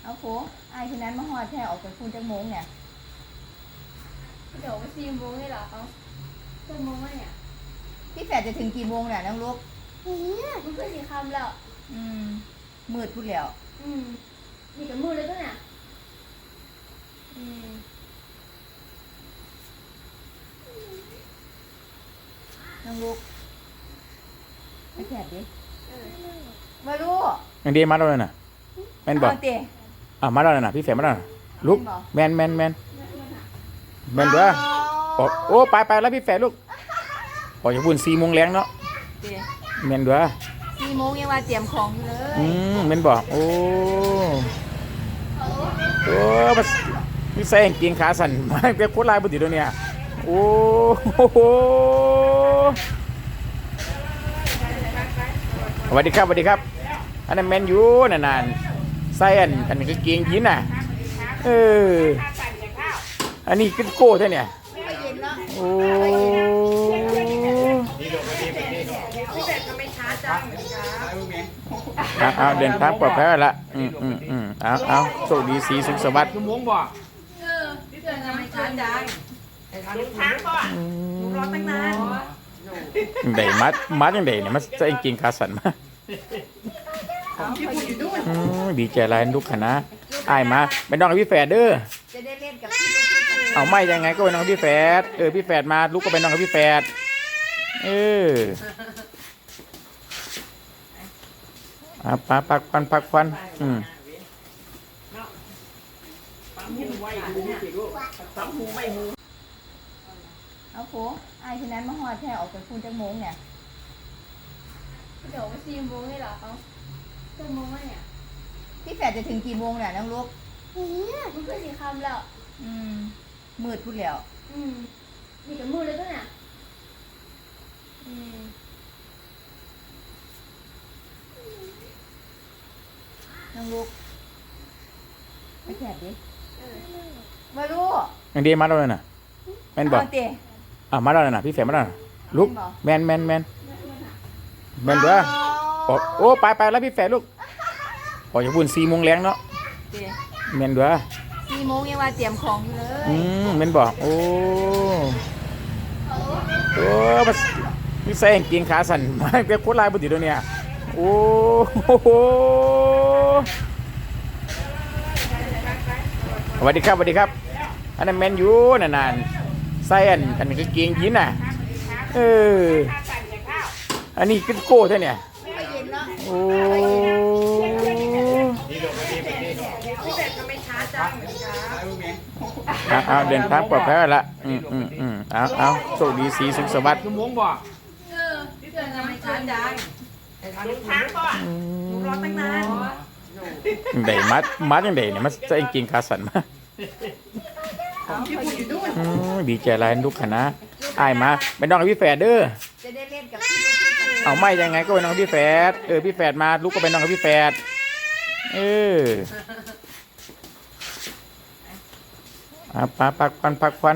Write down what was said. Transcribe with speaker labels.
Speaker 1: เอาโฟไอ้คนนั้นมาหอดแท้ออกจากคุณจังโมงเนี่ย
Speaker 2: เดี๋ยวไป4 โมงเลยเหรอเขา4 โมงวะเนี่ย
Speaker 1: พี่แฝดจะถึงกี่โมงเนี่ยน้องลูก
Speaker 2: มันก็สีคำแล้ว
Speaker 1: มืดพูดแล้ว
Speaker 2: นี่กับมือเลยก็เนี่ย
Speaker 1: น้องลูกไม่แฝดดิมาลูก
Speaker 3: ยังดีมาแล้วน่ะแม่นบอกมาแล้วน่ะพี่แฝดมาแล้วลูกแมนเด้อโอ้ไปแล้วพี่แฝดลูกออกจากบุญ4 โมงแรงเนาะแมนเด้อ
Speaker 1: 4 โมงยังว่าเตรียมของอยู่เลย
Speaker 3: แมนบอกโอ้มันใส่กางเกงขาสั้นมาเป็นโคตรลายบุตรตัวเนี่ยโอ้โหสวัสดีครับอันนั้นแมนยูนานใส่อันกางเกงยีนน่ะอันนี้ก็โก้เท่าเนี่ยโอ้เอาเดินทางปลอดภัยละเอาโชคดีสีสุขสวัสดิ์
Speaker 4: ชั่วโมงบ่พี่เตือนทำไมช้าจังทางบ่รอตั้งนาน
Speaker 3: ได้มัดยังได้เนี่ยมันใส่กางเกงขาสั้นมาดีใจหลายลูกคณะอายมาเป็นน้องกับพี่แฝดเด้อ
Speaker 1: จะได้เล่นกับพี่ลูก
Speaker 3: เอาไม่ยังไงก็เป็นน้องพี่แฝดพี่แฝดมาลูกก็เป็นน้องกับพี่แฝดพักควัน
Speaker 1: เอาโฟไอ้คนนั้นมาหอดแท้ออกจากคุณจังโมงเนี่ย
Speaker 2: เดี๋ยวไป4 โมงเลยเหรอเขา4 โมงวะเนี่ย
Speaker 1: พี่แฝดจะถึงกี่โมงเนี่ยน้องลูก
Speaker 2: มันก็สีคำแล้ว
Speaker 1: มืดพูดแล้ว
Speaker 2: นี่กับมือเลยก็เนี่ย
Speaker 1: น้องลูกไม่แฝดดิมาลูก
Speaker 3: ยังดีมาแล้วน่ะแมนบอกมาแล้วน่ะพี่แฝดมาแล้วลูกแมนเด้อโอ้ไปแล้วพี่แฝดลูกออกจากบุญ4 โมงแรงเนาะแมนเด้อ
Speaker 1: 4 โมงยังว่าเตรียมของอยู่เลย
Speaker 3: แมนบอกโอ้มันใส่กางเกงขาสั้นมาเป็นโคตรลายบุตรตัวเนี่ยโอ้โหสวัสดีครับอันนั้นแมนยูนานใส่อันกางเกงยีนน่ะอันนี้ก็โก้เท่าเนี่ยโอ้เอาเดินทางปลอดภัยละเอาโชคดีสีสุขสวัสดิ์
Speaker 4: ชั่วโมงบ่พี่เตือนทำไมช้าจังทางบ่รอตั้งนาน
Speaker 3: ได้มัดยังได้เนี่ยมันใส่กางเกงขาสั้นมาดีใจหลายลูกคณะอายมาเป็นน้องกับพี่แฝดเด้อ
Speaker 1: จะได้เล่นกับพี่ลูก
Speaker 3: เอาไม่ยังไงก็เป็นน้องพี่แฝดพี่แฝดมาลูกก็เป็นน้องกับพี่แฝดพักควัน